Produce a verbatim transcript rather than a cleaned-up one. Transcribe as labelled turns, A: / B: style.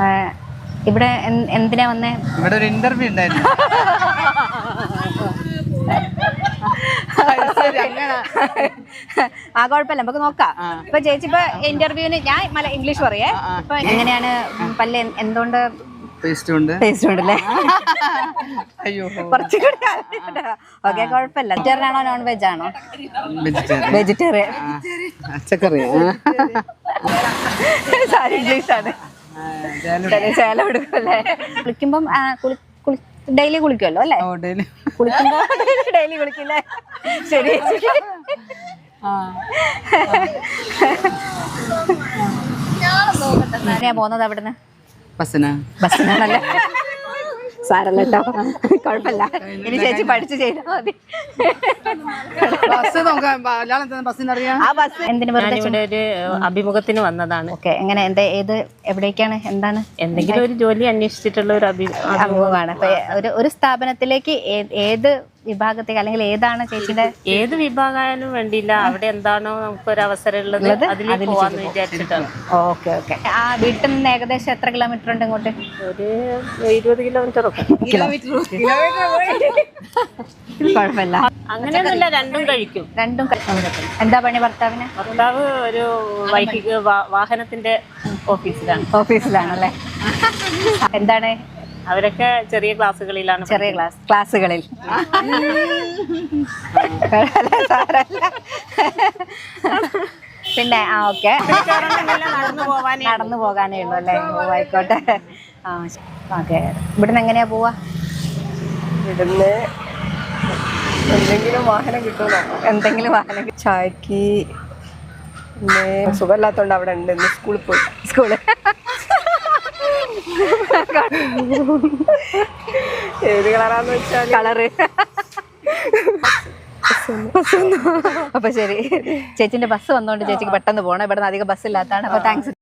A: ഇവിടെ എന്തിനാ വന്നേ?
B: ഇവിടെ ഒരു ഇന്റർവ്യൂ ഉണ്ടായിരുന്നു.
A: ആ കുഴപ്പമില്ല, നമുക്ക് നോക്കാം. ഇപ്പൊ ചേച്ചി ഇപ്പൊ ഇന്റർവ്യൂവിന് ഞാൻ മല ഇംഗ്ലീഷ് പറയേ. ഇപ്പൊ എങ്ങനെയാണ് പല്ല് എന്തുകൊണ്ട്
B: ടേസ്റ്റ് ഉണ്ട്?
A: ടേസ്റ്റ് ഉണ്ടല്ലേ?
B: അയ്യോ
A: കുറച്ചുകൂടി ഓക്കെ, കുഴപ്പമില്ല. വെജിറ്റേറിയൻ ആണോ നോൺ വെജ് ആണോ? വെജിറ്റേറിയൻ.
B: പച്ചക്കറി
A: സാരി ഇംഗ്ലീഷ് ആണ്. ചേലം എടുക്കുമല്ലേ? കുളിക്കുമ്പം ഡെയിലി കുളിക്കുമല്ലോ അല്ലേ? കുളിക്കുമ്പോ ഡെയിലി കുളിക്കില്ലേ? ശരി. എങ്ങനെയാ പോകുന്നത് അവിടുന്ന്?
B: ബസ്സിനാ.
A: ബസ്സിനാണല്ലേ? സാരല്ലോ, കുഴപ്പമില്ല. ഇനി ചേച്ചി പഠിച്ചു ചെയ്താൽ മതി. ആ ബസ് എന്തിനു?
C: ഇവിടെ ഒരു അഭിമുഖത്തിന് വന്നതാണ്.
A: ഓക്കെ, എങ്ങനെ എന്താ ഏത് എവിടേക്കാണ് എന്താണ്?
C: എന്തെങ്കിലും ഒരു ജോലി അന്വേഷിച്ചിട്ടുള്ള ഒരു
A: അഭിമുഖമാണ്. അപ്പൊ ഒരു ഒരു സ്ഥാപനത്തിലേക്ക് ഏത് വിഭാഗത്തേക്ക് അല്ലെങ്കിൽ ഏതാണ് ചേച്ചിയുടെ?
C: ഏത് വിഭാഗമായാലും വേണ്ടിയില്ല, അവിടെ എന്താണോ നമുക്കൊരു അവസരം ഉള്ളത് അതിലേക്ക് പോവാന്ന് വിചാരിച്ചിട്ടാണ്.
A: Okay okay. ആ വീട്ടിൽ നിന്ന് ഏകദേശം എത്ര കിലോമീറ്റർ ഉണ്ട് ഇങ്ങോട്ട്?
C: ഒരു ഇരുപത് കിലോമീറ്റർ ഒക്കെ.
A: കുഴപ്പമില്ല,
C: അങ്ങനെയൊന്നുമില്ല, രണ്ടും കഴിക്കും.
A: രണ്ടും എന്താ പണി ഭർത്താവിന്?
C: ഭർത്താവ് ഒരു വൈദ്യുതി വാഹനത്തിന്റെ ഓഫീസിലാണ്.
A: ഓഫീസിലാണല്ലേ? എന്താണ്?
C: അവരൊക്കെ ചെറിയ ക്ലാസ്സുകളിലാണ്.
A: ചെറിയ ക്ലാസ് ക്ലാസ്സുകളിൽ പിന്നെ ആ ഓക്കെ,
C: നടന്നു പോവാനേ
A: നടന്നു പോകാനേ ഉള്ളൂ അല്ലേ? ആയിക്കോട്ടെ. ആ ഓക്കെ. ഇവിടുന്ന് എങ്ങനെയാ പോവാ?
D: ഇവിടുന്ന് എന്തെങ്കിലും വാഹനം കിട്ടുമോ?
A: എന്തെങ്കിലും വാഹനം?
D: ചായക്ക് പിന്നെ സുഖമില്ലാത്തോണ്ട് അവിടെ ഉണ്ട്. ഇന്ന് സ്കൂളിൽ പോയി.
A: സ്കൂള്
D: ഏത് കളറാന്ന് വെച്ചാൽ
A: കളറ്. അപ്പൊ ശരി, ചേച്ചിന്റെ ബസ് വന്നോണ്ട് ചേച്ചിക്ക് പെട്ടെന്ന് പോകണം. ഇവിടെ നിന്ന് അധികം ബസ് ഇല്ലാത്തതാണ്. അപ്പൊ താങ്ക്സ്.